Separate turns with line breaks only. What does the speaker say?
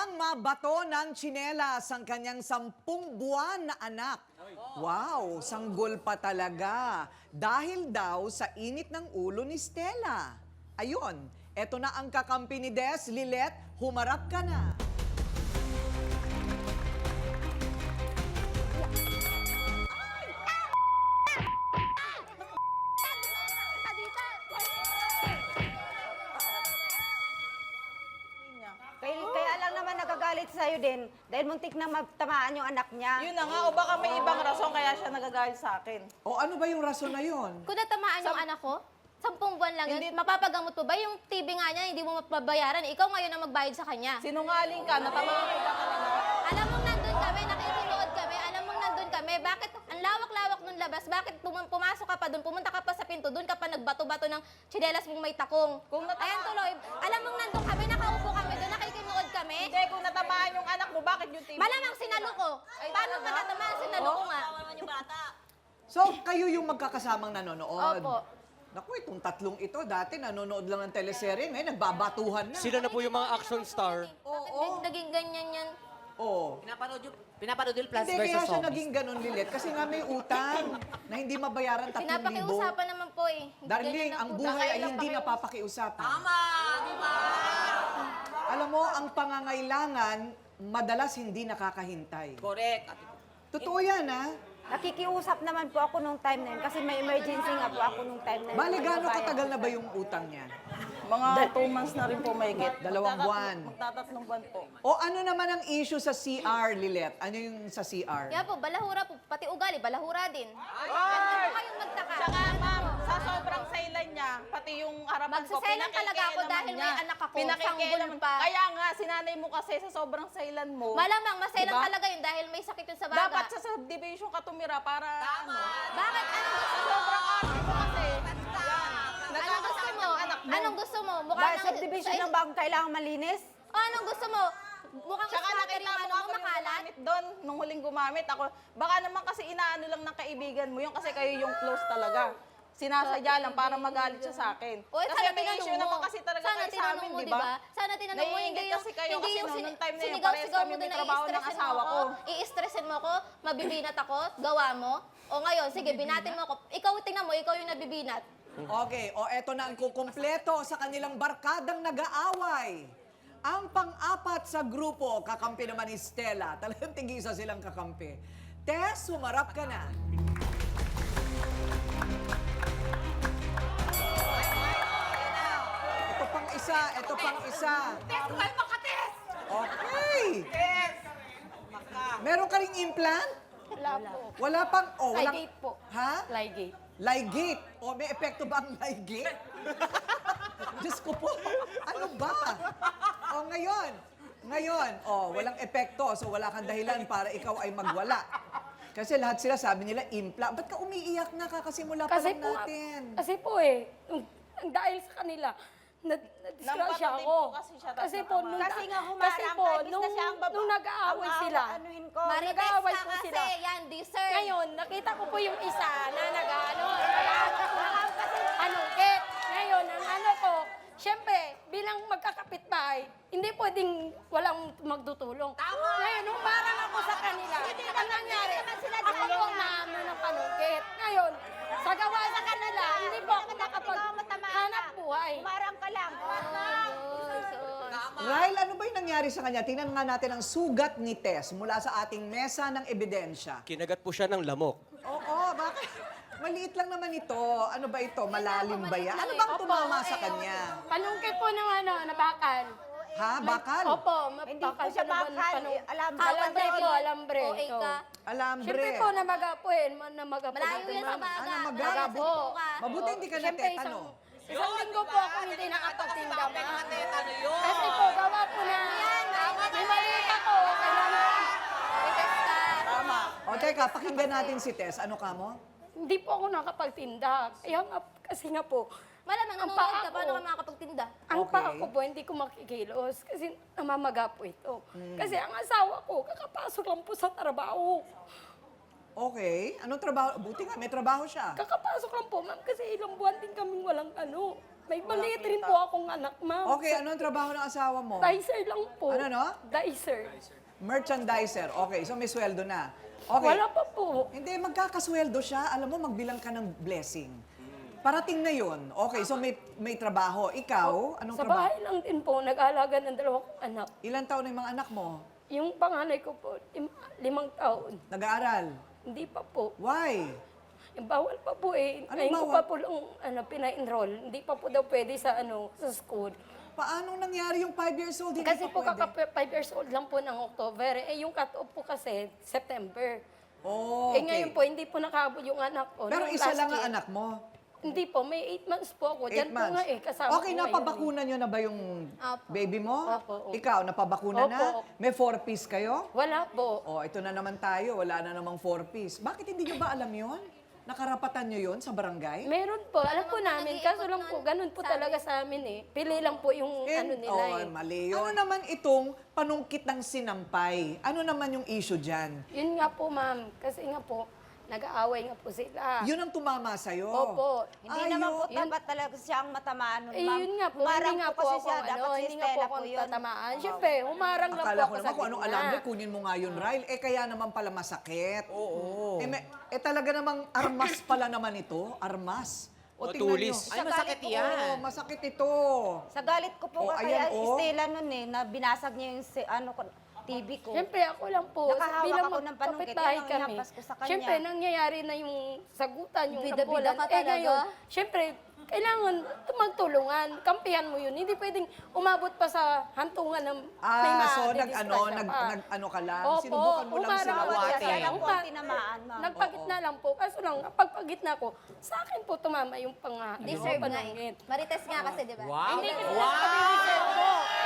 Nagawang mabato ng tsinelas ang kanyang 10 buwan na anak. Wow, sanggol pa talaga. Dahil daw sa init ng ulo ni Stella. Ayun, eto na ang kakampi ni Des. Lilet, humarap ka na.
Kaya lang naman nagagalit sa'yo din dahil muntik na matamaan yung anak niya.
Yun na nga, o baka may ibang rason kaya siya nagagalit sa akin.
O ano ba yung rason na yun?
Kung natamaan yung anak ko, 10 buwan lang yun, mapapagamot mo ba? Yung TV nga niya, hindi mo mapabayaran. Ikaw ngayon ang magbayad sa kanya.
Sinungaling ka, natamaan ka kanina.
Alam mong nandun kami, nakikinood kami, alam mong nandun kami. Bakit, ang lawak-lawak nung labas, bakit pumasok ka pa dun, pumunta ka pa sa pinto, dun ka pa nagbato-bato ng tsinelas mong may takong. Ayan tuloy, alam mong nandun kami, nakaupo kami dun, nakikinood kami.
Hindi, kung natamaan yung anak mo, bakit yung TV?
Malamang sinalo ko. Paano matatamaan, sinalo ko nga.
So, kayo yung magkakasamang nanonood?
Opo.
Naku, itong tatlong ito, dati nanonood lang ng teleserye, ngayon nagbabatuhan na.
Sila na po yung mga action star.
Bakit naging ganyan yan?
Oo.
Pinapanood yung Plants
Hindi,
vs.
kaya siya
Zombies.
naging ganun, Lilet. Kasi nga may utang na hindi mabayaran 3,000.
Pinapakiusapan naman po eh.
Darling,
Ganyan
ang
po.
buhay ay
Kailan
hindi
pa kayo-
napapakiusapan.
Tama, di ba?
Alam mo, ang pangangailangan, madalas hindi nakakahintay.
Correct.
Totoo yan, ha?
Nakikiusap naman po ako nung time na yun kasi may emergency nga po ako nung time na yun.
Bale, gaano katagal na ba yung utang niya?
Mga 2 months na rin po may get.
2 buwan.
Magtatatlong buwan po.
O ano naman ang issue sa CR, Lilet? Ano yung sa CR?
Kaya po, balahura po, pati ugali, balahura din.
Ay!
Ano kayong magtaka?
Tsaka ma'am, sa sobrang sailan niya, pati yung harapan ko,
Magsaselan talaga ako dahil may anak ako,
Pinakikialaman
sanggol pa.
Kaya nga, sinanay mo kasi sa sobrang sailan mo.
Malamang, masailan
Diba?
talaga yun dahil may sakit yun sa baga.
Dapat sa subdivision ka tumira para ano.
Bakit? Anong gusto mo?
Sobrang arte mo kasi.
Anong gusto mo? Anong gusto mo? Mukha
Ba,
nang-
subdivision ng bagong kailangan malinis?
O, anong gusto mo? Mukhang
Tsaka
squatter
nakita
yung
mo
ano
ako
mo,
yung
makalat.
gumamit doon, nung huling gumamit ako. Baka naman kasi inaano lang ng kaibigan mo yun kasi kayo yung close talaga. Sinasadya lang para magalit siya sa akin.
O,
Kasi
sana
may
tinanong
issue
mo.
naman kasi talaga
Sana
kayo sa
tinanong
amin,
mo,
di ba?
Sana tinanong mo,
Naiingit kasi kayo
hindi
kasi
yung
nung time na yun,
sinigaw-sigaw
parehas
mo
kami
doon
may
na
trabaho ng
i-stressin mo
asawa
ako.
ko.
I-stressin mo ako, mabibinat ako, gawa mo. O ngayon, sige, binatin mo ako. Ikaw, tingnan mo, ikaw yung nabibinat.
Okay, o eto na ang kukumpleto sa kanilang barkadang nag-aaway. Ang pang-apat sa grupo, kakampi naman ni Stella. Talagang tigisa silang kakampi. Tess, sumarap ka na. Ito pang isa, ito pang isa.
Test ko kayo makates!
Okay. Meron ka ring implant?
Wala po.
Wala pang, oh, walang...
Ligate po.
Ha?
Ligate.
Ligate. O, may epekto ba ang ligate? Diyos ko po, ano ba? O, ngayon, walang epekto. So, wala kang dahilan para ikaw ay magwala. Kasi lahat sila sabi nila, implant. Ba't ka umiiyak na kakasimula pa lang natin?
Kasi po dahil sa kanila, na-disgrasya
Nampatid
ako.
po kasi siya, tapos
Kasi po, nung,
Kasi nga
kasi
humarang
po,
ka, imbis
nung,
na siya ang baba.
nung nag-aaway sila,
Anuhin ko.
Marites
nag-aaway
ka
po
kasi,
sila.
yan, deserve.
ngayon, nakita ko po yung isa na anungkit. Ngayon, ang ano ko, syempre, bilang magkakapitbahay, hindi pwedeng walang magdutulong. Ngayon, nung parang ako sa kanila, ang nangyari, ako po ang naano ng panungkit. Ngayon, sa gawa sa kanila, hindi po ako makapaghanap buhay.
Humarang ka lang.
Rahel, ano ba yung nangyari sa kanya? Tingnan nga natin ang sugat ni Tess mula sa ating mesa ng ebidensya.
Kinagat po siya ng lamok.
Oo, bakit? Maliit lang naman ito. Ano ba ito? Malalim ba yan? Ano
Maliit
bang
lang eh.
tumama
Opo,
sa kanya?
Panungkit po ng nabakan.
Ha? Bakal?
Opo,
Hindi po
bakal
siya
pa naman
bakal.
panung-
Alambre.
Alambre po, alambre.
OA ka.
Alambre.
Siyempre po, namaga po namaga po.
Malayo yan sa baga.
Ano, maga?
Malayo sa
Po.
buka.
Mabuti hindi ka
Siyempre,
natetano.
isang linggo po ako hindi nakapagtinda, ma.
Ano yun?
Kasi po, gawa po na may maliit ako. Kailangan,
Marites ka.
Tama.
O teka, pakinggan natin si Tess. Ano ka mo?
hindi po ako nakapagtinda. Kaya nga, kasi nga po,
Malamang,
Ang
nanonood
paa
ka,
ko.
paano ka makakapagtinda?
ang
Okay.
paa ko po, hindi ko makikilos. Kasi namamaga po ito. Kasi ang asawa ko, kakapasok lang po sa trabaho.
Okay. Anong trabaho? Buti nga, may trabaho siya.
Kakapasok lang po, ma'am, kasi ilang buwan din kaming walang ano. May maliit rin po akong anak, ma'am.
Okay, ano ang trabaho ng asawa mo?
Dicer lang po.
Ano, no?
Dicer.
Merchandiser. Okay, so may sweldo na. Okay.
Wala pa po.
Hindi, magkakasweldo siya. Alam mo, magbilang ka ng blessing. Parating na yun. Okay, so may trabaho. Ikaw, anong
Sa
trabaho?
bahay lang din po, nag-aalaga ng 2 anak.
Ilan taon na yung mga anak mo?
Yung panganay ko po, 5 taon.
Nag-aaral?
Hindi pa po.
Why?
Yung bawal pa po eh.
Anong
Ngayon ko
bawal?
pa po lang pina-enroll. Hindi pa po daw pwede sa sa school.
Paano nangyari yung 5 years old? Hindi
Kasi
pa
po
pwede.
kaka 5 years old lang po ng October. Eh yung cut-off po kasi September.
Oh,
Eh
okay.
ngayon po, hindi po nakabot yung anak ko.
Pero
Nung
isa
last
lang ang
year.
anak mo.
Hindi po, may 8 months po ako.
8
Diyan po
months.
nga eh, kasama
Okay,
ko ngayon
napabakuna nyo na ba yung
Opo.
baby mo?
Opo, opo.
Ikaw, napabakuna na?
Opo.
May 4-piece kayo?
Wala po.
Oh, ito na naman tayo. Wala na namang 4-piece. Bakit hindi nyo ba alam yon? Nakarapatan nyo yon sa barangay?
Meron po, alam po
Naman po
namin.
nag-iikot
Kaso lang po,
nun,
ganun po
sabi.
talaga sa amin eh. Pili lang po yung nila
oh,
eh.
mali yun. Ano naman itong panungkit ng sinampay? Ano naman yung issue dyan?
Yun nga po, ma'am. Kasi nga po, nag-aaway nga po sila.
Yun ang tumama sa'yo.
Opo.
Hindi naman po
Yun-
dapat talaga siyang matamaan nun,
Eh,
ma'am.
yun nga po,
Humarang
hindi nga po
kasi
ako,
siya, dapat si
hindi nga po
Stella
ako
yun.
tatamaan. Siyempre, humarang lang po
Akala
ako
ko
sa
naman kung anong
gitna.
alam mo, kunin mo nga yun, Ryle. Eh, kaya naman pala masakit. Oo. Talaga namang armas pala naman ito. Armas. O, tingnan
Matulis.
nyo.
Ay, masakit yan.
Oo, masakit ito.
Sa galit ko po
Oh,
kaya
ayan, oh.
Stella nun eh, na binasag niya yung TV ko.
Siyempre, ako lang po.
Nakahawak
bilang
ako ng panungkit,
magkapitbahay
yun ang
kami.
ihampas ko sa kanya.
Siyempre, nangyayari na yung sagutan, yung
Bida-bida
tampulan.
ka
Eh
talaga?
ngayon, siyempre, kailangan magtulungan. Kampihan mo yun. Hindi pwedeng umabot pa sa hantungan ng may
So
madidisgrasya pa.
nag-ano ka lang,
Opo,
sinubukan mo lang
humarang
sila.
ako
Bawat
Awate.
siya lang po ang tinamaan, ma'am.
Nagpagitna lang po. Kaso lang, pagpagitna ko, sa akin po tumama yung
Deserve nga eh.
panungkit.
Marites nga kasi, di ba?
Wow.
Hindi kasi wow.